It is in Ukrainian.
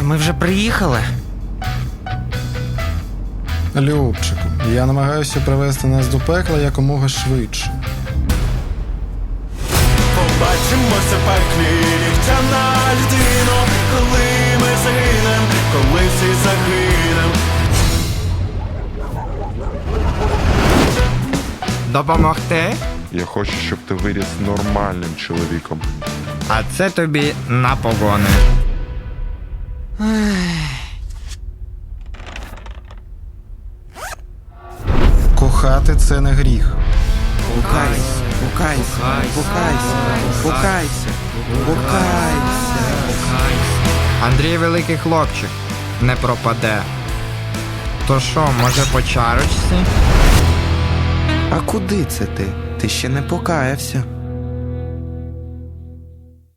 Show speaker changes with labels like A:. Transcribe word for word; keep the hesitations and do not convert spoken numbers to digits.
A: Ми вже приїхали?
B: Любчику, я намагаюся привести нас до пекла якомога швидше.
C: Побачимося в пеклі, нігтяна людино, коли ми загинем, коли всі загинем.
D: Допомогти?
E: Я хочу, щоб ти виріс нормальним чоловіком.
D: А це тобі на погони.
B: Кохати – це не гріх.
A: Покайся, покайся, покайся, покайся, покайся.
D: Андрій великий хлопчик, не пропаде. То що, може по чарочці?
A: А куди це ти? Ти ще не покаявся.